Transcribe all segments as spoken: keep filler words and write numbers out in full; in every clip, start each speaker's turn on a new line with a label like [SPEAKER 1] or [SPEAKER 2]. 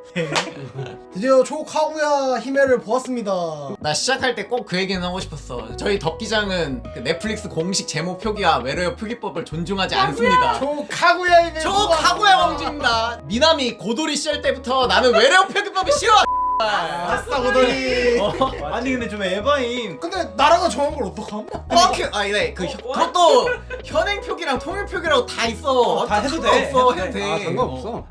[SPEAKER 1] 드디어 초카구야 히메를 보았습니다.
[SPEAKER 2] 나 시작할 때 꼭 그 얘기는 하고 싶었어. 저희 덕기장은 그 넷플릭스 공식 제목 표기와 외래어 표기법을 존중하지 않습니다.
[SPEAKER 1] 초카구야 히메.
[SPEAKER 2] 초카구야 왕주입니다. 미나미 고도리 시절 때부터 나는 외래어 표기법이 싫어.
[SPEAKER 1] 아싸 고돌이.
[SPEAKER 2] 어?
[SPEAKER 3] 아니 근데 좀 에바임.
[SPEAKER 1] 근데 나라가 정한 걸 어떡함?
[SPEAKER 2] 뻑큐. 아 이래 그 혀- 그것도 현행 표기랑 통일 표기라고 다 있어.
[SPEAKER 3] 어, 다 해도 돼,
[SPEAKER 2] 없어.
[SPEAKER 3] 해도
[SPEAKER 2] 해도
[SPEAKER 3] 돼.
[SPEAKER 2] 돼.
[SPEAKER 4] 아 상관없어.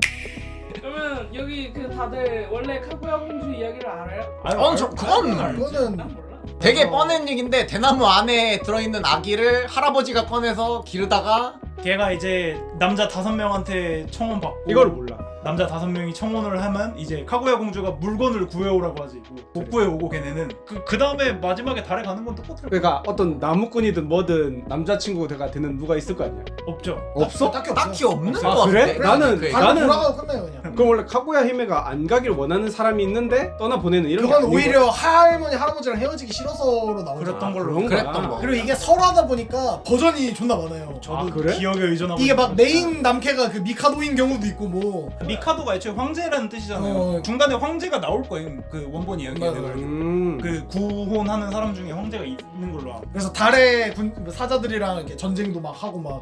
[SPEAKER 5] 그러면 여기 그 다들 원래 카구야 공주 이야기를 알아요?
[SPEAKER 2] 어, 저 그건
[SPEAKER 1] 그거는
[SPEAKER 5] 난 몰라.
[SPEAKER 2] 되게
[SPEAKER 1] 어.
[SPEAKER 2] 뻔한 얘긴데 대나무 안에 들어있는 아기를 할아버지가 꺼내서 기르다가
[SPEAKER 3] 걔가 이제 남자 다섯 명한테 청혼 받고
[SPEAKER 4] 이걸 몰라.
[SPEAKER 3] 남자 다섯 명이 청혼을 하면 이제 카구야 공주가 물건을 구해오라고 하지. 뭐, 못 구해오고 걔네는 그, 그 다음에 마지막에 달에 가는 건 똑같더라고.
[SPEAKER 4] 그러니까 어떤 나무꾼이든 뭐든 남자친구가 되는 누가 있을 거 아니야.
[SPEAKER 3] 없죠.
[SPEAKER 4] 없어?
[SPEAKER 1] 딱히 없어.
[SPEAKER 2] 딱히 없는
[SPEAKER 4] 아,
[SPEAKER 2] 거
[SPEAKER 4] 그래?
[SPEAKER 2] 같은데.
[SPEAKER 4] 나는-
[SPEAKER 2] 그
[SPEAKER 1] 바로
[SPEAKER 4] 나는-
[SPEAKER 1] 돌아가고 끝나요 그냥.
[SPEAKER 4] 그럼 원래 카구야 히메가 안 가길 원하는 사람이 있는데 떠나 보내는 이런 게
[SPEAKER 1] 그건
[SPEAKER 4] 아닌
[SPEAKER 1] 오히려 할머니 할아버지랑 헤어지기 싫어서로 나오죠.
[SPEAKER 3] 그랬던 걸로.
[SPEAKER 4] 그런
[SPEAKER 2] 그랬던
[SPEAKER 4] 거야.
[SPEAKER 2] 거.
[SPEAKER 1] 그리고 이게 서로 하다 보니까 버전이 존나 많아요.
[SPEAKER 3] 저도
[SPEAKER 4] 아, 그래?
[SPEAKER 3] 기억에 의존하고
[SPEAKER 1] 이게 막
[SPEAKER 3] 있는데.
[SPEAKER 1] 메인 남캐가 그 미카도인 경우도 있고 뭐.
[SPEAKER 3] 미카도가 애초에 황제라는 뜻이잖아요.
[SPEAKER 1] 어.
[SPEAKER 3] 중간에 황제가 나올 거예요. 그 원본 이야기에.
[SPEAKER 1] 맞아.
[SPEAKER 3] 내가 알기로.
[SPEAKER 4] 음.
[SPEAKER 3] 그 구혼하는 사람 중에 황제가 있는 걸로 알아.
[SPEAKER 1] 그래서 달의 군 사자들이랑 이렇게 전쟁도 막 하고 막.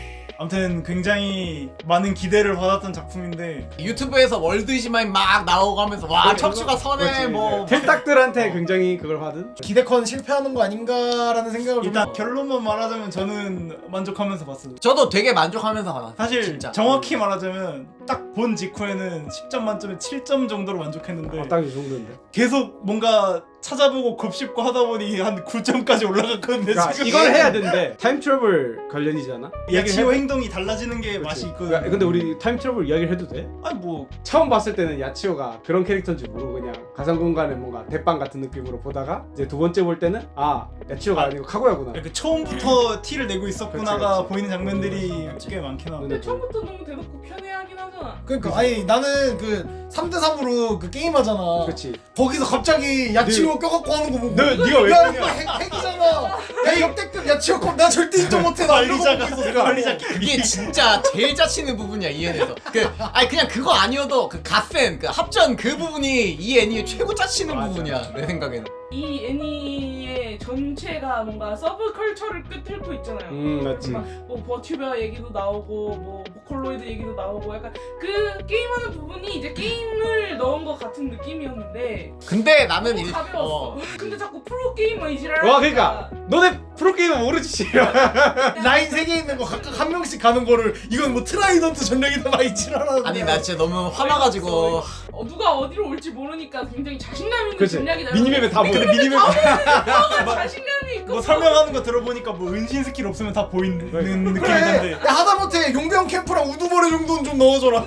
[SPEAKER 3] 아무튼 굉장히 많은 기대를 받았던 작품인데
[SPEAKER 2] 유튜브에서 월드 이즈마인 막 나오고 하면서 와
[SPEAKER 4] 그래,
[SPEAKER 2] 척추가 선해
[SPEAKER 4] 그렇지.
[SPEAKER 2] 뭐
[SPEAKER 4] 텔딱들한테 굉장히 그걸 받은.
[SPEAKER 1] 기대컨 실패하는 거 아닌가라는 생각을
[SPEAKER 3] 일단
[SPEAKER 1] 좀.
[SPEAKER 3] 결론만 말하자면 저는 만족하면서 봤어요.
[SPEAKER 2] 저도 되게 만족하면서 받았어.
[SPEAKER 3] 사실
[SPEAKER 2] 진짜.
[SPEAKER 3] 정확히 말하자면 딱 본 직후에는 십 점 만점에 칠 점 정도로 만족했는데
[SPEAKER 4] 아, 딱 이 정도인데.
[SPEAKER 3] 계속 뭔가 찾아보고 곱씹고 하다 보니 한 구 점까지 올라갔거든요.
[SPEAKER 4] 그러니까
[SPEAKER 3] 지금
[SPEAKER 4] 이걸 해야 된대. 타임 트래블 관련이잖아.
[SPEAKER 3] 야치오 행동이 달라지는 게 맛이
[SPEAKER 4] 그렇지.
[SPEAKER 3] 있거든요.
[SPEAKER 4] 야, 근데 우리 타임 트래블 이야기를 해도 돼?
[SPEAKER 3] 아니 뭐
[SPEAKER 4] 처음 봤을 때는 야치오가 그런 캐릭터인지 모르고 그냥 가상 공간에 뭔가 대빵 같은 느낌으로 보다가 이제 두 번째 볼 때는 아 야치오가
[SPEAKER 3] 아,
[SPEAKER 4] 아니고 카구야구나.
[SPEAKER 3] 그 처음부터 티를 내고 있었구나가
[SPEAKER 4] 그렇지, 그렇지.
[SPEAKER 3] 보이는 장면들이
[SPEAKER 4] 그렇지.
[SPEAKER 3] 꽤 많긴 하고.
[SPEAKER 5] 근데 처음부터 너무 대놓고 편애하긴 하잖아.
[SPEAKER 1] 그러니까 아니 나는 그 삼 대 삼으로 그 게임 하잖아.
[SPEAKER 4] 그렇지.
[SPEAKER 1] 거기서 갑자기 야치오 껴갖고 하는 거 보고.
[SPEAKER 4] 너 네가 왜
[SPEAKER 1] 야
[SPEAKER 4] 그러냐?
[SPEAKER 1] 이거 핵, 핵이잖아. 야 역대급 야치오 컵 나 절대 인정 못해. 나 이러고
[SPEAKER 3] 관리자가
[SPEAKER 1] 보고 있었어.
[SPEAKER 3] 관리자
[SPEAKER 2] 이게 진짜 제일 짜치는 부분이야 이 애니에서. 그 아니 그냥 그거 아니어도 그 갓센 그 합전 그 부분이 이 애니의 최고 짜치는
[SPEAKER 4] 맞아.
[SPEAKER 2] 부분이야 내 생각에는.
[SPEAKER 5] 이 애니의 전체가 뭔가 서브컬처를 끄트고 있잖아요.
[SPEAKER 4] 음 맞지.
[SPEAKER 5] 막 뭐 버튜버 얘기도 나오고 뭐 보컬로이드 얘기도 나오고 약간 그 게임하는 부분이 이제 게임을 넣은 것 같은 느낌이었는데
[SPEAKER 2] 근데 나는
[SPEAKER 5] 너무
[SPEAKER 2] 일-
[SPEAKER 5] 가벼웠어.
[SPEAKER 2] 어.
[SPEAKER 5] 근데 자꾸 프로게이머 이지랄
[SPEAKER 4] 와 그러니까 너네 프로게이머 모르지.
[SPEAKER 1] 라인 세 개 있는 거 각각 한 명씩 가는 거를 이건 뭐 트라이던트 전략이다 막 이지랄하는.
[SPEAKER 2] 아니 나 진짜 너무 화나가지고
[SPEAKER 5] 어, 누가 어디로 올지 모르니까 굉장히 자신감 있는
[SPEAKER 4] 그치.
[SPEAKER 5] 전략이다.
[SPEAKER 4] 미니맵에 다 보여.
[SPEAKER 3] 근데 미니맵
[SPEAKER 5] 자신감이 있고
[SPEAKER 3] 뭐 설명하는 거 들어보니까 뭐 은신 스킬 없으면 다 보이는
[SPEAKER 1] 그래.
[SPEAKER 3] 느낌이던데
[SPEAKER 1] 야 하다못해 용병 캠프랑 우두머리 정도는 좀 넣어줘라.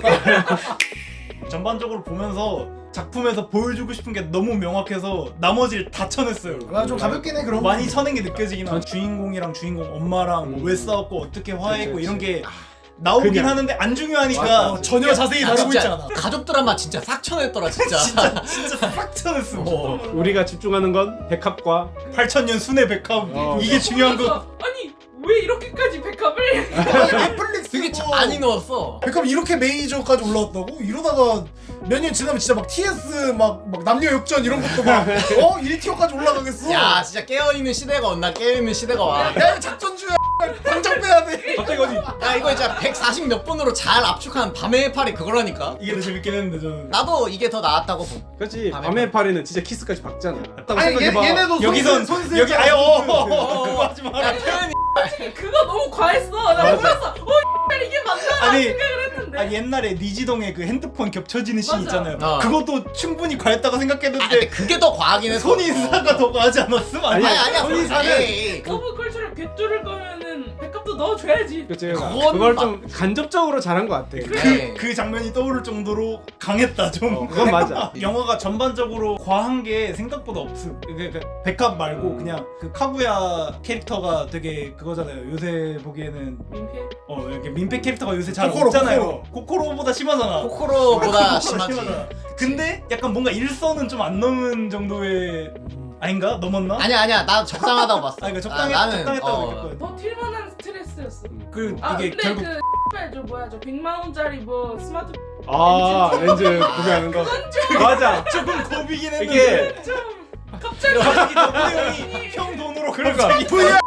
[SPEAKER 3] 전반적으로 보면서 작품에서 보여주고 싶은 게 너무 명확해서 나머지를 다 쳐냈어요.
[SPEAKER 1] 아, 좀 가볍긴 해 그런 거.
[SPEAKER 3] 많이 쳐낸 게 느껴지긴 하. 주인공이랑 주인공 엄마랑 뭐왜 싸웠고 어떻게 화해했고
[SPEAKER 4] 그치,
[SPEAKER 3] 이런 게 나오긴
[SPEAKER 4] 그냥.
[SPEAKER 3] 하는데 안 중요하니까
[SPEAKER 4] 맞아.
[SPEAKER 1] 어, 전혀 자세히
[SPEAKER 2] 나
[SPEAKER 1] 다루고 있지
[SPEAKER 2] 진짜
[SPEAKER 1] 않아.
[SPEAKER 2] 가족 드라마 진짜 싹 쳐냈더라 진짜.
[SPEAKER 3] 진짜 진짜 싹 쳐냈어.
[SPEAKER 2] 어.
[SPEAKER 4] 우리가 집중하는 건 백합과
[SPEAKER 3] 팔천 년 순회 백합
[SPEAKER 4] 어.
[SPEAKER 3] 이게 중요한 거.
[SPEAKER 5] 아니 왜 이렇게까지 백합을?
[SPEAKER 1] 아니, 넷플릭스
[SPEAKER 2] 되게 많이 넣었어.
[SPEAKER 1] 백합 이렇게 메이저까지 올라왔다고? 이러다가 몇 년 지나면 진짜 막 티에스 막, 막 남녀 역전 이런 것도 막 어? 일 티어까지 올라가겠어?
[SPEAKER 2] 야 진짜 깨어있는 시대가 온나 깨어있는 시대가 와.
[SPEAKER 1] 야 이거 작전주야. 당장 빼야 돼.
[SPEAKER 4] 갑자기 어디?
[SPEAKER 2] 야 이거 진짜 백사십 몇 분으로 잘 압축한 밤의 팔이 그거라니까.
[SPEAKER 3] 이게 더 재밌긴 했는데 저는.
[SPEAKER 2] 나도 이게 더 나았다고 봄.
[SPEAKER 4] 그렇지.
[SPEAKER 2] 밤에
[SPEAKER 4] 밤의 파리는 진짜 키스까지 박잖아. 딱
[SPEAKER 1] 아니 얘,
[SPEAKER 4] 생각해봐.
[SPEAKER 1] 얘네도
[SPEAKER 3] 여기선
[SPEAKER 1] 손
[SPEAKER 3] 여기 아예 어
[SPEAKER 2] 어.
[SPEAKER 3] 그거 하지 마라.
[SPEAKER 2] 야 표현이
[SPEAKER 5] 그거 너무 과했어. 나 보면서 어 이게 맞나
[SPEAKER 3] 아니
[SPEAKER 5] 생각을 했는데.
[SPEAKER 3] 아 옛날에 니지동에 그 핸드폰 겹쳐지는 씬
[SPEAKER 5] 맞아.
[SPEAKER 3] 있잖아요.
[SPEAKER 2] 어.
[SPEAKER 3] 그것도 충분히 과했다고
[SPEAKER 2] 아, 근데
[SPEAKER 3] 생각했는데
[SPEAKER 2] 그게 더 과하긴 했어.
[SPEAKER 3] 손인사가 더 과하지 않았음? 아니
[SPEAKER 2] 아니 아니야
[SPEAKER 4] 손인사는
[SPEAKER 2] 에이, 그-
[SPEAKER 5] 서브컬처를 꿰뚫을 거면은 백합도 넣어줘야지.
[SPEAKER 4] 그치.
[SPEAKER 2] 그건
[SPEAKER 4] 그걸
[SPEAKER 2] 막-
[SPEAKER 4] 좀 간접적으로 잘한 것 같아.
[SPEAKER 2] 네.
[SPEAKER 3] 그 장면이 떠오를 정도로 강했다 좀.
[SPEAKER 4] 어, 그건 맞아.
[SPEAKER 3] 영화가 전반적으로 과한 게 생각보다 없음. 그러니까 백합 말고
[SPEAKER 4] 음.
[SPEAKER 3] 그냥 그 카구야 캐릭터가 되게 그거잖아요. 요새 보기에는
[SPEAKER 5] 민폐.
[SPEAKER 3] 어 이렇게 민폐 캐릭터가 요새 잘
[SPEAKER 1] 코코로,
[SPEAKER 3] 없잖아요. 코코로. 보다 심하잖아.
[SPEAKER 2] 코코로보다 심하지.
[SPEAKER 3] 심하잖아. 근데 약간 뭔가 일선은 좀 안 넘은 정도의 아닌가? 넘었나?
[SPEAKER 2] 아니야 아니야 나 적당하다고 봤어.
[SPEAKER 3] 아, 그러니까 적당했,
[SPEAKER 2] 아, 나는
[SPEAKER 3] 적당했다고
[SPEAKER 2] 어,
[SPEAKER 3] 느꼈거든.
[SPEAKER 5] 버틸만한 스트레스였어.
[SPEAKER 3] 그
[SPEAKER 5] 아
[SPEAKER 3] 이게
[SPEAKER 5] 근데
[SPEAKER 3] 결국
[SPEAKER 5] 그 X발 저 뭐야 저 백만 원짜리 뭐 스마트
[SPEAKER 4] 아 렌즈 구매하는 거. 맞아.
[SPEAKER 3] 조금 고비긴 했는데
[SPEAKER 4] 이게
[SPEAKER 5] 좀 갑자기
[SPEAKER 3] 갑자기 너무 형 돈으로
[SPEAKER 4] 그러니까.
[SPEAKER 3] 갑자기
[SPEAKER 1] 브이알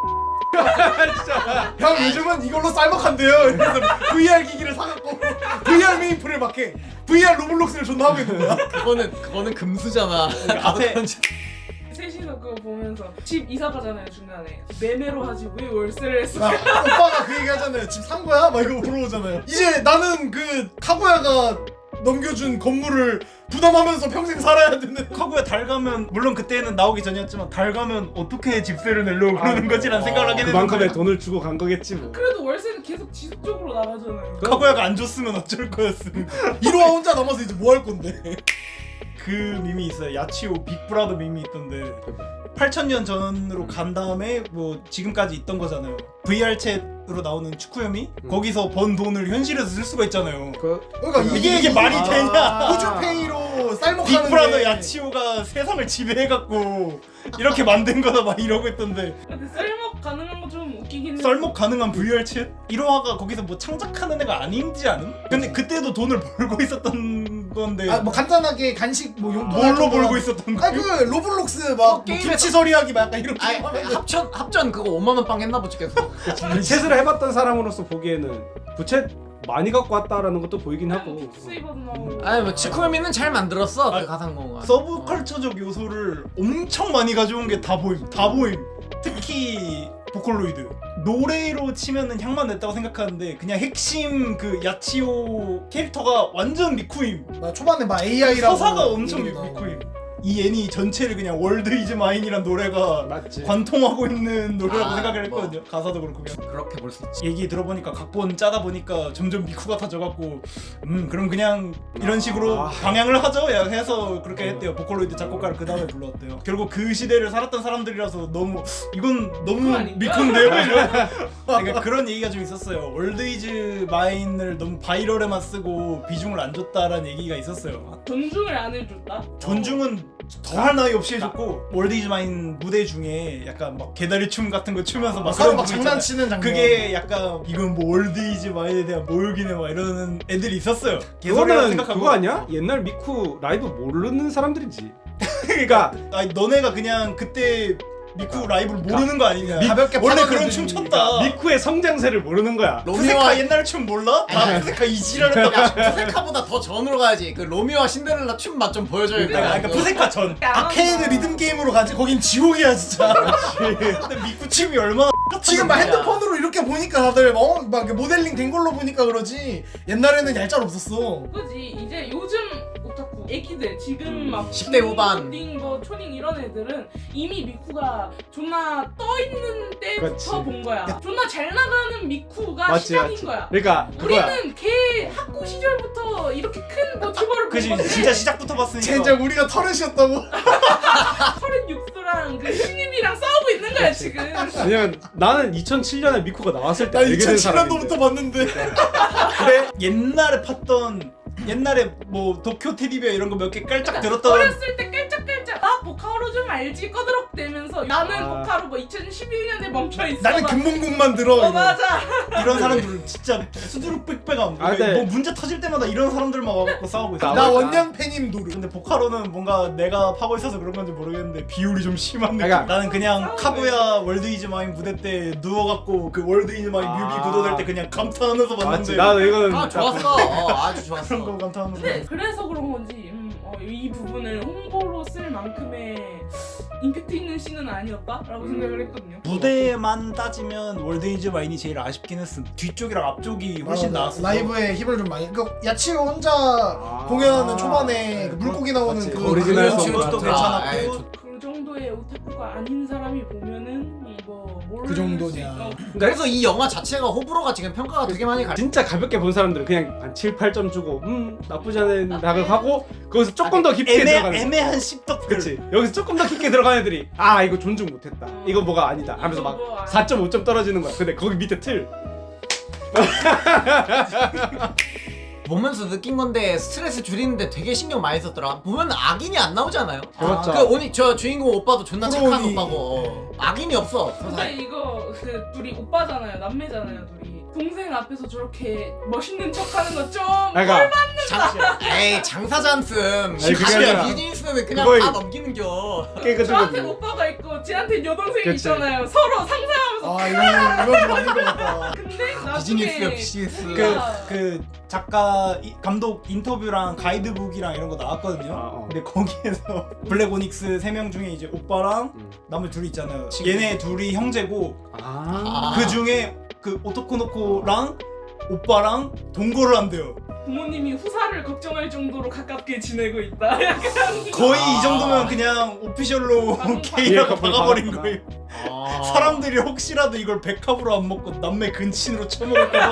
[SPEAKER 1] 형 요즘은 이걸로 쌀먹한대요. 그래서 브이알 기기를 사갖고 브이알 메인프를 막 해. 브이알 로블록스를 존나 하고 있는 거야.
[SPEAKER 2] 그거는 그거는 금수잖아.
[SPEAKER 3] 앞에
[SPEAKER 5] 셋이서 그거 보면서 집 이사 가잖아요 중간에 매매로 하지 왜 월세를 했어?
[SPEAKER 1] 아, 오빠가 그 얘기 하잖아요. 집 산 거야? 막 이거 물어보잖아요. 이제 나는 그 카구야가 넘겨준 건물을 부담하면서 평생 살아야 되는.
[SPEAKER 3] 카구야 달 가면 물론 그때는 나오기 전이었지만 달 가면 어떻게 집세를 내려고 그러는 거지라는 생각을 하게 되는
[SPEAKER 4] 그만큼의
[SPEAKER 3] 거야.
[SPEAKER 4] 돈을 주고 간 거겠지 뭐.
[SPEAKER 5] 그래도 월세는 계속 지속적으로 나가잖아요.
[SPEAKER 3] 카구야가 안 줬으면 어쩔 거였음.
[SPEAKER 1] 이로와 혼자 남아서 이제 뭐 할 건데?
[SPEAKER 3] 그 밈이 있어요. 야치오 빅브라더 밈이 있던데 팔천 년 전으로 간 다음에 뭐 지금까지 있던 거잖아요. 브이알 챗으로 나오는 축구염이
[SPEAKER 4] 음.
[SPEAKER 3] 거기서 번 돈을 현실에서 쓸 수가 있잖아요.
[SPEAKER 4] 그
[SPEAKER 1] 그러니까
[SPEAKER 3] 이게 이게 말이
[SPEAKER 4] 아.
[SPEAKER 3] 되냐?
[SPEAKER 1] 우주페이로 쌀먹하는
[SPEAKER 3] 빅브라더 야치오가 세상을 지배해갖고 이렇게 만든 거다 막 이러고 있던데
[SPEAKER 5] 근데 썰먹 가능한 거 좀 웃기긴 해.
[SPEAKER 3] 썰먹 가능한 브이알 챗? 일호화가 거기서 뭐 창작하는 애가 아닌지 않음? 근데 그때도 돈을 벌고 있었던 건데
[SPEAKER 1] 아 뭐 간단하게 간식 뭐 용돈
[SPEAKER 3] 뭘로 벌고 있었던 거야?
[SPEAKER 1] 아그 로블록스 막
[SPEAKER 2] 어,
[SPEAKER 1] 뭐
[SPEAKER 2] 게임에서-
[SPEAKER 1] 김치 서리하기 막 약간 이렇게
[SPEAKER 2] 아니
[SPEAKER 1] 하면
[SPEAKER 2] 합천 합전 그거 오만 원 빵 했나 보지 계속.
[SPEAKER 4] 부채를 해봤던 사람으로서 보기에는 부채 많이 갖고 왔다라는 것도 보이긴 하고.
[SPEAKER 5] 빅세이버도 나오고.
[SPEAKER 2] 아니 뭐 치쿠미는 잘 만들었어
[SPEAKER 3] 아,
[SPEAKER 2] 그 가상공간.
[SPEAKER 3] 서브컬처적 요소를 엄청 많이 가져온 게 다 보임 다 보임 특히 보컬로이드 노래로 치면은 향만 냈다고 생각하는데 그냥 핵심 그 야치오 캐릭터가 완전 미쿠임
[SPEAKER 1] 나 초반에 막 에이아이라고
[SPEAKER 3] 서사가 엄청 미-
[SPEAKER 1] 이러기도 하고.
[SPEAKER 3] 미쿠임 이 애니 전체를 그냥 월드 이즈 마인이란 노래가
[SPEAKER 4] 맞지.
[SPEAKER 3] 관통하고 있는 노래라고
[SPEAKER 2] 아,
[SPEAKER 3] 생각을
[SPEAKER 2] 뭐.
[SPEAKER 3] 했거든요. 가사도 그렇고 그냥
[SPEAKER 2] 그렇게 볼 수 있지.
[SPEAKER 3] 얘기 들어보니까 각본 짜다 보니까 점점 미쿠 같아져갖고 음 그럼 그냥 이런 식으로
[SPEAKER 4] 아.
[SPEAKER 3] 방향을 하죠 야 해서 그렇게 했대요. 보컬로이드 작곡가를 그 다음에 불렀대요. 결국 그 시대를 살았던 사람들이라서 너무 이건
[SPEAKER 5] 미쿠
[SPEAKER 3] 너무
[SPEAKER 5] 아닌가?
[SPEAKER 3] 미쿠인데요? 이러면서 그러니까 그런 얘기가 좀 있었어요. 월드 이즈 마인을 너무 바이럴에만 쓰고 비중을 안 줬다라는 얘기가 있었어요.
[SPEAKER 5] 존중을 안 해줬다.
[SPEAKER 3] 존중은 더할 나위 없이 해줬고 월드 이즈 마인 무대 중에 약간 막 개다리 춤 같은 거 추면서 막
[SPEAKER 1] 서로
[SPEAKER 3] 그런
[SPEAKER 1] 막
[SPEAKER 3] 부분 있잖아요.
[SPEAKER 1] 장난치는 장면.
[SPEAKER 3] 그게 약간 이건 뭐 월드 이즈 마인에 대한 모욕이네 막 이러는 애들이 있었어요. 개소리라고
[SPEAKER 4] 그거는
[SPEAKER 3] 생각하고
[SPEAKER 4] 그거 아니야? 옛날 미쿠 라이브 모르는 사람들이지. 그러니까
[SPEAKER 3] 아니 너네가 그냥 그때 미쿠 라이브를 모르는 거 아니냐.
[SPEAKER 1] 가볍게
[SPEAKER 3] 원래
[SPEAKER 1] 파는
[SPEAKER 3] 그런 춤
[SPEAKER 1] 애들이.
[SPEAKER 3] 췄다.
[SPEAKER 4] 미쿠의 성장세를 모르는 거야.
[SPEAKER 3] 푸세카
[SPEAKER 2] 로미오와
[SPEAKER 3] 옛날 춤 몰라? 다 푸세카 이지랄했다.
[SPEAKER 2] 야 푸세카보다 더 전으로 가야지. 그 로미오와 신데렐라 춤 맛 좀 보여줘야 돼.
[SPEAKER 3] 그러니까, 그러니까 푸세카 전.
[SPEAKER 1] 아케이드 리듬 게임으로 가지. 거긴 지옥이야 진짜.
[SPEAKER 3] 근데 미쿠 춤이 얼마나
[SPEAKER 1] 지금 막
[SPEAKER 2] 진짜.
[SPEAKER 1] 핸드폰으로 이렇게 보니까 다들 어? 막 모델링 된 걸로 보니까 그러지. 옛날에는 얄짤 없었어.
[SPEAKER 5] 그지 이제 요즘 오타쿠 애기들 지금 막
[SPEAKER 2] 십 대 후반.
[SPEAKER 5] 딩 뭐 초딩 이런 애들은 이미 미쿠가 존나 떠 있는 때부터
[SPEAKER 4] 그렇지.
[SPEAKER 5] 본 거야. 존나 잘 나가는 미쿠가
[SPEAKER 4] 맞지,
[SPEAKER 5] 시작인
[SPEAKER 4] 맞지.
[SPEAKER 5] 거야.
[SPEAKER 4] 그러니까 그거야.
[SPEAKER 5] 우리는 걔 학교 시절부터 이렇게 큰 모티버를 본
[SPEAKER 3] 그지
[SPEAKER 5] 건데
[SPEAKER 3] 진짜 시작부터 봤으니까.
[SPEAKER 1] 진짜 우리가 터렛이었다고.
[SPEAKER 5] 서른육 수랑 그 신입이랑 싸우고 있는 거야 지금.
[SPEAKER 4] 왜냐면 나는 이천칠 년에 미쿠가 나왔을 때
[SPEAKER 1] 나
[SPEAKER 4] 알게 된
[SPEAKER 1] 이천칠 년도부터
[SPEAKER 4] 사람인데.
[SPEAKER 1] 봤는데.
[SPEAKER 3] 근데 옛날에 팠던 옛날에 뭐 도쿄 테디베어 이런 거 몇 개 깔짝 들었던
[SPEAKER 5] 어렸을 때 깔짝깔짝 나 보카로 좀 알지 꺼드럭대면서 나는
[SPEAKER 4] 아.
[SPEAKER 5] 보카로 뭐 이천십일 년에 멈춰 있어.
[SPEAKER 1] 나는
[SPEAKER 5] 막.
[SPEAKER 1] 금봉국만 들어.
[SPEAKER 5] 어
[SPEAKER 1] 이거.
[SPEAKER 5] 맞아.
[SPEAKER 3] 이런 사람들은 진짜 수두룩 빽빽함.
[SPEAKER 4] 아, 근데-
[SPEAKER 3] 뭐 문제 터질 때마다 이런 사람들만 와갖고 싸우고 있어.
[SPEAKER 1] 나 원년 팬임 노르.
[SPEAKER 3] 근데 보카로는 뭔가 내가 파고 있어서 그런 건지 모르겠는데 비율이 좀 심한 느낌.
[SPEAKER 4] 그러니까-
[SPEAKER 3] 나는 그냥
[SPEAKER 5] 싸우네.
[SPEAKER 3] 카구야 월드 이즈 마인 무대 때 누워갖고 그 월드 이즈 마인
[SPEAKER 4] 아.
[SPEAKER 3] 뮤비 구도될 때 그냥 감탄하면서
[SPEAKER 4] 맞지.
[SPEAKER 3] 봤는데
[SPEAKER 4] 나도 이거는
[SPEAKER 2] 아 좋았어. 어, 아주
[SPEAKER 3] 그런 거
[SPEAKER 2] 좋았어.
[SPEAKER 3] 감탄하면서
[SPEAKER 5] 근데 그래서 그런 건지 음, 어, 이 부분을 홍보로 쓸 만큼의 임팩트 있는 씬은 아니었다라고
[SPEAKER 4] 음.
[SPEAKER 5] 생각을 했거든요.
[SPEAKER 3] 무대만 따지면 월드 이즈 마인이 제일 아쉽긴 했음. 뒤쪽이랑 앞쪽이 훨씬
[SPEAKER 1] 아,
[SPEAKER 3] 나았어.
[SPEAKER 1] 라이브에 힘을 좀 많이. 그 야치오 혼자
[SPEAKER 4] 아.
[SPEAKER 1] 공연하는 초반에
[SPEAKER 4] 네,
[SPEAKER 1] 그 물고기 나오는
[SPEAKER 4] 맞지.
[SPEAKER 1] 그
[SPEAKER 4] 오리지널
[SPEAKER 1] 그-
[SPEAKER 4] 송
[SPEAKER 3] 것도
[SPEAKER 4] 같은.
[SPEAKER 3] 괜찮았고.
[SPEAKER 2] 아, 아이, 좋-
[SPEAKER 5] 그 정도의 오타쿠가 아닌 사람이 보면은 이거 모를
[SPEAKER 1] 그 정도냐.
[SPEAKER 5] 수 있- 어,
[SPEAKER 2] 그래서 이 영화 자체가 호불호가 지금 평가가 되게 많이 갈.
[SPEAKER 4] 진짜 가볍게 본 사람들은 그냥 한 칠, 팔 점 주고 음 나쁘지 않은 생각하고 거기서 조금 더 깊게
[SPEAKER 3] 애매,
[SPEAKER 4] 들어가는
[SPEAKER 3] 애매한 씹덕들.
[SPEAKER 4] 그치 여기서 조금 더 깊게 들어가는 애들이 아 이거 존중 못했다 이거 뭐가 아니다 하면서 막
[SPEAKER 5] 이거 뭐
[SPEAKER 4] 사 점 오 점 떨어지는 거야 근데 거기 밑에 틀
[SPEAKER 2] 보면서 느낀 건데 스트레스 줄이는데 되게 신경 많이 썼더라. 보면 악인이 안 나오잖아요.
[SPEAKER 4] 그렇죠.
[SPEAKER 2] 그 오니 저 주인공 오빠도 존나 착한
[SPEAKER 1] 프로니.
[SPEAKER 2] 오빠고 어. 악인이 없어.
[SPEAKER 5] 근데 이거 그 둘이 오빠잖아요, 남매잖아요, 둘이. 동생 앞에서 저렇게 멋있는 척하는 거 좀.
[SPEAKER 4] 그러니까
[SPEAKER 2] 장, 에이 장사 잔씀.
[SPEAKER 4] 아니, 그게 아니라
[SPEAKER 2] 비즈니스는 그냥
[SPEAKER 4] 그거의-
[SPEAKER 2] 다 넘기는겨.
[SPEAKER 4] 깨끗한
[SPEAKER 5] 저한테
[SPEAKER 4] 거지.
[SPEAKER 5] 오빠가 있고 쟤한테 여동생이
[SPEAKER 4] 그치.
[SPEAKER 5] 있잖아요. 서로 상상하면서.
[SPEAKER 1] 아 이건 이건 좀 아닌 것 같다.
[SPEAKER 5] 근데 나중에
[SPEAKER 2] 비즈니스야 비즈니스.
[SPEAKER 3] 그, 그 작가 이- 감독 인터뷰랑 가이드북이랑 이런 거 나왔거든요.
[SPEAKER 4] 아, 어.
[SPEAKER 3] 근데 거기에서 블랙 오닉스 세 명 중에 이제 오빠랑
[SPEAKER 4] 음.
[SPEAKER 3] 나머지 둘이 있잖아요.
[SPEAKER 2] 친구.
[SPEAKER 3] 얘네 둘이 형제고
[SPEAKER 4] 아.
[SPEAKER 3] 그 중에 그 오토코노코랑 오빠랑 동거를 한대요.
[SPEAKER 5] 부모님이 후사를 걱정할 정도로 가깝게 지내고 있다. 약간
[SPEAKER 3] 거의
[SPEAKER 2] 아.
[SPEAKER 3] 이 정도면 그냥 오피셜로
[SPEAKER 5] 방금
[SPEAKER 3] 게이라고
[SPEAKER 4] 방금
[SPEAKER 3] 박아버린
[SPEAKER 4] 박았구나.
[SPEAKER 3] 거예요.
[SPEAKER 2] 아.
[SPEAKER 3] 사람들이 혹시라도 이걸 백합으로 안 먹고 남매 근친으로 쳐먹을까봐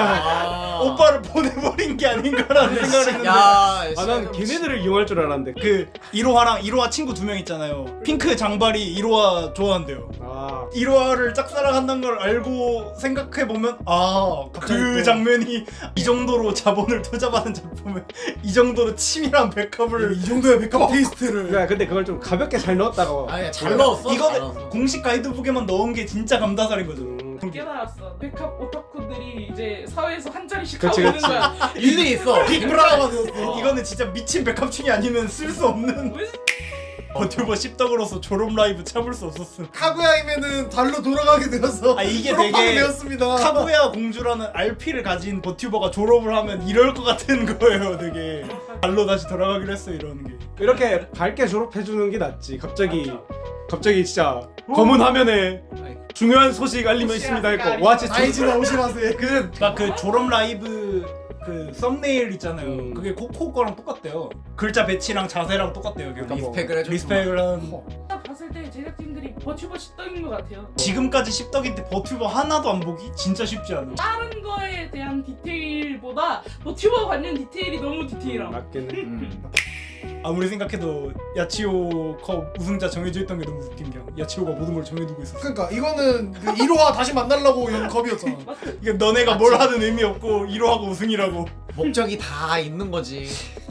[SPEAKER 2] 아.
[SPEAKER 3] 오빠를 보내버린 게 아닌가라는 생각을 했는데
[SPEAKER 2] 야,
[SPEAKER 4] 아, 난 걔네들을 이용할 줄 알았는데.
[SPEAKER 3] 그 이로하랑 이로하 친구 두 명 있잖아요. 핑크 장발이 이로하 좋아한대요.
[SPEAKER 4] 아.
[SPEAKER 3] 이로하를 짝사랑한다는 걸 알고 생각해보면 아 그 장면이 이 정도로 자본을 투자받은 작품에 이 정도로 치밀한 백합을
[SPEAKER 1] 이 정도의 백합 테이스트를.
[SPEAKER 4] 그러니까 근데 그걸 좀 가볍게 잘 넣었다고.
[SPEAKER 2] 아니 잘 넣었어. 잘
[SPEAKER 3] 이거는
[SPEAKER 2] 넣었어.
[SPEAKER 3] 공식 가이드북에만 넣은 게 진짜 감다살인 거죠.
[SPEAKER 4] 음.
[SPEAKER 5] 깨달았어. 백합 오타쿠들이 이제 사회에서 한 자리씩
[SPEAKER 4] 그치,
[SPEAKER 5] 하고 있는
[SPEAKER 4] 그치.
[SPEAKER 5] 거야.
[SPEAKER 2] 일리 있어.
[SPEAKER 1] 빅브라가 되었어.
[SPEAKER 2] 어.
[SPEAKER 3] 이거는 진짜 미친 백합충이 아니면 쓸 수 없는
[SPEAKER 5] 왜
[SPEAKER 3] 버튜버 씹덕으로서 졸업 라이브 참을 수 없었음.
[SPEAKER 1] 카구야임에는 달로 돌아가게 되어서
[SPEAKER 3] 아, 이게
[SPEAKER 1] 졸업하게
[SPEAKER 3] 되게
[SPEAKER 1] 되었습니다.
[SPEAKER 3] 카구야 공주라는 알피를 가진 버튜버가 졸업을 하면 이럴 것 같은 거예요. 되게 발로 다시 돌아가기로 했어 이러는 게.
[SPEAKER 4] 이렇게 밝게 졸업해주는 게 낫지. 갑자기 갑자기 진짜 검은 화면에 중요한 소식 알리면 있습니다 했고 와 진짜
[SPEAKER 1] 아이즈나 오시라세.
[SPEAKER 4] 그래
[SPEAKER 3] 그러니까 그 졸업 라이브 그 썸네일 있잖아요.
[SPEAKER 4] 음.
[SPEAKER 3] 그게 코코 거랑 똑같대요. 글자 배치랑 자세랑 똑같대요. 그게.
[SPEAKER 2] 리스펙을 해줘.
[SPEAKER 3] 리스펙을 한.
[SPEAKER 5] 딱 봤을 때 제작진들이 버튜버 십덕인 것 같아요.
[SPEAKER 3] 지금까지 십덕인데 버튜버 하나도 안 보기 진짜 쉽지 않아.
[SPEAKER 5] 다른 거에 대한 디테일보다 버튜버 관련 디테일이 너무 디테일함.
[SPEAKER 4] 맞겠네.
[SPEAKER 2] 음.
[SPEAKER 3] 아무리 생각해도 야치오 컵 우승자 정해져 있던 게 너무 웃긴 게 야치오가 모든 걸 정해두고 있었어.
[SPEAKER 1] 그러니까 이거는 그 이로하 다시 만나려고 연 컵이었잖아.
[SPEAKER 3] 이게 너네가 뭘 하든 의미 없고 이로하고 우승이라고.
[SPEAKER 2] 목적이 다 있는 거지.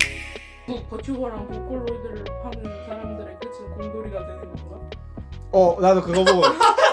[SPEAKER 5] 그 버튜버랑 보컬로이드를 하는 사람들의 끝은 곰돌이가 되는 건가?
[SPEAKER 4] 어 나도 그거 보고.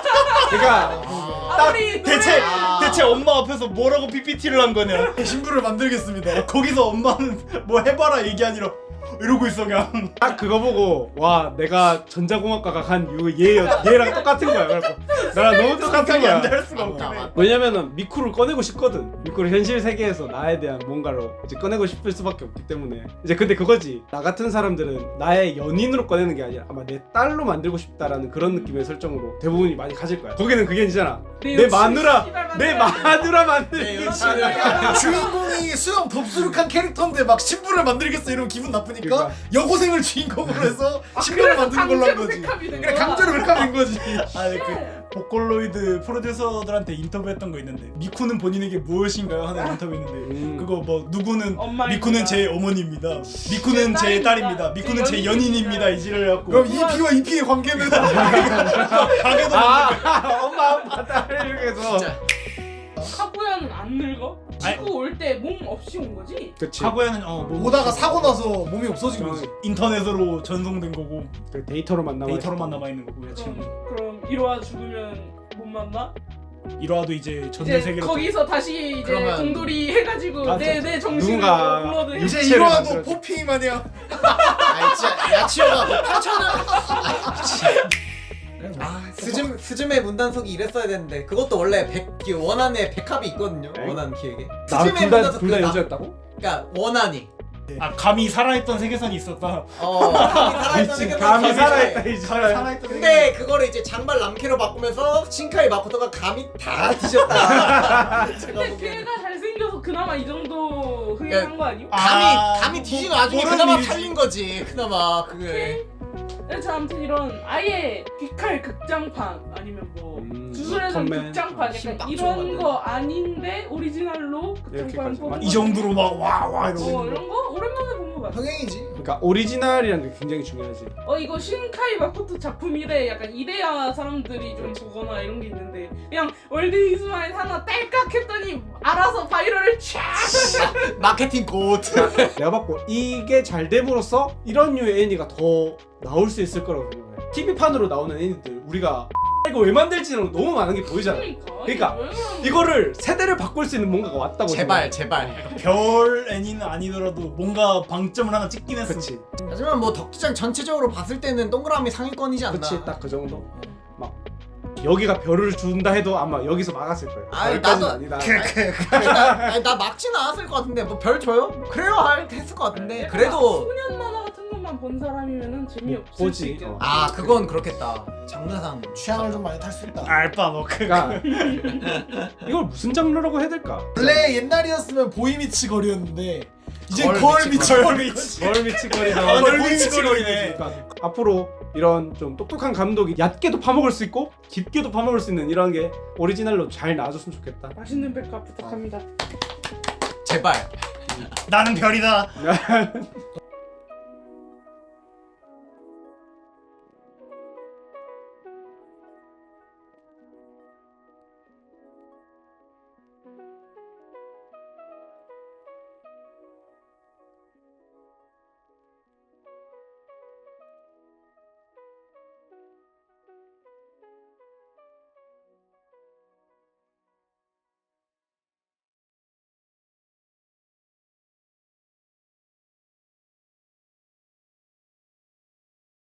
[SPEAKER 4] 그러니까
[SPEAKER 5] 아무리
[SPEAKER 3] 대체
[SPEAKER 2] 아.
[SPEAKER 3] 대체 엄마 앞에서 뭐라고 피피티를 한 거냐?
[SPEAKER 1] 신부를 만들겠습니다.
[SPEAKER 3] 거기서 엄마는 뭐 해봐라 얘기 아니라 이러고 있어 그냥.
[SPEAKER 4] 딱 그거 보고 와 내가 전자공학과가 간 이유 얘 얘랑 똑같은 거야. 그래서 나랑 너무 똑같은
[SPEAKER 3] 생각이 안
[SPEAKER 4] 거야.
[SPEAKER 3] 날 수가
[SPEAKER 2] 맞다,
[SPEAKER 3] 없긴 해.
[SPEAKER 2] 맞다.
[SPEAKER 4] 왜냐면은 미쿠를 꺼내고 싶거든. 미쿠를 현실 세계에서 나에 대한 뭔가로 이제 꺼내고 싶을 수밖에 없기 때문에 이제 근데 그거지. 나 같은 사람들은 나의 연인으로 꺼내는 게 아니라 아마 내 딸로 만들고 싶다라는 그런 느낌의 설정으로 대부분이 많이 가질 거야. 거기는 그게 아니잖아.
[SPEAKER 5] 내
[SPEAKER 4] 내
[SPEAKER 5] 여친
[SPEAKER 4] 마누라
[SPEAKER 5] 씨발
[SPEAKER 4] 내
[SPEAKER 5] 만들어야 돼.
[SPEAKER 4] 마누라
[SPEAKER 2] 내
[SPEAKER 4] 만들기
[SPEAKER 2] 여친을.
[SPEAKER 1] 주인공이 수염 덥수룩한 캐릭터인데 막 신부를 만들겠어 이러면 기분 나쁘니까
[SPEAKER 4] 그러니까.
[SPEAKER 1] 여고생을 주인공으로 해서 신부를
[SPEAKER 5] 그래서
[SPEAKER 1] 만드는 걸로 한
[SPEAKER 5] 강제로
[SPEAKER 1] 거지.
[SPEAKER 5] 백합이 된
[SPEAKER 1] 그래
[SPEAKER 5] 거야.
[SPEAKER 1] 강제로 백합인 거지.
[SPEAKER 3] 아니 그 보컬로이드 프로듀서들한테 인터뷰했던 거 있는데 미쿠는 본인에게 무엇인가요 하는 인터뷰 있는데
[SPEAKER 4] 음.
[SPEAKER 3] 그거 뭐 누구는
[SPEAKER 5] 엄마입니다.
[SPEAKER 3] 미쿠는 제 어머니입니다. 미쿠는
[SPEAKER 5] 제
[SPEAKER 3] 제
[SPEAKER 5] 딸입니다.
[SPEAKER 3] 딸입니다. 미쿠는
[SPEAKER 5] 제
[SPEAKER 3] 제
[SPEAKER 5] 연인입니다.
[SPEAKER 3] 연인입니다. 이지를 해갖고
[SPEAKER 1] 그럼 이피와 이피의 관계는
[SPEAKER 3] 가게도
[SPEAKER 4] 아 엄마 아빠 딸 이렇게 해서
[SPEAKER 2] 진짜.
[SPEAKER 5] 카구야는 안 늙어? 지구 올 때 몸 없이 온 거지?
[SPEAKER 4] 그치.
[SPEAKER 3] 카구야는 어뭐
[SPEAKER 1] 오다가 사고 나서 몸이 없어진 거지.
[SPEAKER 3] 인터넷으로 전송된 거고
[SPEAKER 4] 그 데이터로만 남아
[SPEAKER 3] 데이터로만 남아 있는 거고 야치오는
[SPEAKER 5] 그럼 그럼 이로하 죽으면 못 만나?
[SPEAKER 3] 이러하도 이제 전대
[SPEAKER 5] 이제
[SPEAKER 3] 세계로
[SPEAKER 5] 거기서 다시 이제
[SPEAKER 2] 그러면-
[SPEAKER 5] 공돌이 해가지고
[SPEAKER 4] 아,
[SPEAKER 5] 내
[SPEAKER 4] 저-
[SPEAKER 5] 내 정신을
[SPEAKER 4] 누군가
[SPEAKER 5] 업로드 해.
[SPEAKER 1] 이제
[SPEAKER 4] 육체를
[SPEAKER 1] 이로하도
[SPEAKER 4] 만들어줘.
[SPEAKER 1] 포피 마냥.
[SPEAKER 2] 아니 진짜 야치오가 뭐 파천을. 아 스즈메 스즈메 문단속이 이랬어야 되는데 그것도 원래 백 원안에 백합이 있거든요.
[SPEAKER 4] 에?
[SPEAKER 2] 원안 기획에.
[SPEAKER 4] 나둘
[SPEAKER 2] 스즈메
[SPEAKER 4] 다
[SPEAKER 2] 문단속
[SPEAKER 4] 둘 다
[SPEAKER 2] 그 나-
[SPEAKER 4] 여자였다고?
[SPEAKER 2] 그러니까 원안이.
[SPEAKER 3] 아 감히 살아있던 세계선이 있었다.
[SPEAKER 2] 어. 감히 살아있던
[SPEAKER 4] 미친
[SPEAKER 2] 세계관
[SPEAKER 4] 감이
[SPEAKER 2] 감히
[SPEAKER 4] 살아있다
[SPEAKER 2] 살아있-
[SPEAKER 4] 이 사람.
[SPEAKER 1] 살아있던
[SPEAKER 2] 근데 그거를 이제 장발 남캐로 바꾸면서 신카이 마코토가 감이 다 뒤졌다. 제가
[SPEAKER 5] 근데
[SPEAKER 2] 보기에는.
[SPEAKER 5] 걔가 잘생겨서 그나마 이 정도 흥행한 거 아니야?
[SPEAKER 2] 감이
[SPEAKER 3] 아,
[SPEAKER 2] 감이 뒤진 와중에
[SPEAKER 3] 그런
[SPEAKER 2] 그나마
[SPEAKER 3] 일이지.
[SPEAKER 2] 살린 거지. 그나마 그게.
[SPEAKER 5] 그래서 아무튼 이런 아예 귀칼 극장판 아니면 뭐
[SPEAKER 4] 음,
[SPEAKER 5] 주술에서
[SPEAKER 4] 컴맨.
[SPEAKER 5] 극장판
[SPEAKER 2] 힘
[SPEAKER 5] 약간
[SPEAKER 2] 빡
[SPEAKER 5] 이런
[SPEAKER 2] 줘가지고.
[SPEAKER 5] 거 아닌데 오리지널로 극장판
[SPEAKER 4] 이렇게까지.
[SPEAKER 5] 뽑은
[SPEAKER 3] 이
[SPEAKER 5] 거.
[SPEAKER 3] 정도로 막 와 와
[SPEAKER 5] 어
[SPEAKER 3] 이러고
[SPEAKER 5] 이런 거 오랜만에 본 거 같아.
[SPEAKER 1] 흥행이지.
[SPEAKER 4] 그러니까 오리지널이라는 게 굉장히 중요하지.
[SPEAKER 5] 어 이거 신카이 마코토 작품이래 약간 이래야 사람들이 좀 보거나 이런 게 있는데 그냥 월드 이즈마인 하나 딸깍 했더니 알아서 바이럴을 촥
[SPEAKER 2] 마케팅 곧.
[SPEAKER 4] 내가 봤고 이게 잘 됨으로써 이런 류의 애니가 더 나올 수 있을 거라고 생각해. 티비판으로 나오는 애니들 우리가 이거 왜 만들지는 너무 많은 게 보이잖아.
[SPEAKER 5] 그러니까.
[SPEAKER 4] 그러니까
[SPEAKER 5] 왜 그러는
[SPEAKER 4] 이거를 세대를 바꿀 수 있는 뭔가가 왔다고
[SPEAKER 2] 제발 제발.
[SPEAKER 3] 별 애니는 아니더라도 뭔가 방점을 하나 찍긴 했어.
[SPEAKER 4] 그치
[SPEAKER 2] 하지만 뭐 덕후장 전체적으로 봤을 때는 동그라미 상위권이지 않나.
[SPEAKER 4] 그치 딱 그 정도. 막 여기가 별을 준다 해도 아마 여기서 막았을 거예요.
[SPEAKER 2] 아이,
[SPEAKER 4] 별까지는
[SPEAKER 2] 나도-
[SPEAKER 4] 아니다.
[SPEAKER 2] 아니, 나, 아니, 나 막지는 않았을 것 같은데 뭐 별 줘요? 그래요 할 했을 것 같은데 그래도
[SPEAKER 5] 소년 만화 같은 것만 본 사람이면은 재미없을
[SPEAKER 4] 보지.
[SPEAKER 5] 수 있겠다.
[SPEAKER 4] 어.
[SPEAKER 2] 아 그건 그렇겠다. 장르상
[SPEAKER 1] 취향을 좀 많이 탈 수 있다.
[SPEAKER 3] 알바 너 그.
[SPEAKER 4] 그러니까 이걸 무슨 장르라고 해야 될까?
[SPEAKER 1] 원래 옛날이었으면 보이미치 거리였는데 이제
[SPEAKER 2] 걸
[SPEAKER 1] 걸
[SPEAKER 2] 미치
[SPEAKER 1] 미치
[SPEAKER 2] 거리.
[SPEAKER 1] 거리.
[SPEAKER 4] 뭘 미치거리다.
[SPEAKER 3] 아,
[SPEAKER 1] 걸
[SPEAKER 3] 근데
[SPEAKER 1] 미치 거리네.
[SPEAKER 3] 거리네.
[SPEAKER 4] 그러니까 앞으로 이런 좀 똑똑한 감독이 얕게도 파먹을 수 있고 깊게도 파먹을 수 있는 이런 게 오리지널로 잘 나와줬으면 좋겠다.
[SPEAKER 5] 맛있는 백화 부탁합니다.
[SPEAKER 2] 제발.
[SPEAKER 3] 나는 별이다.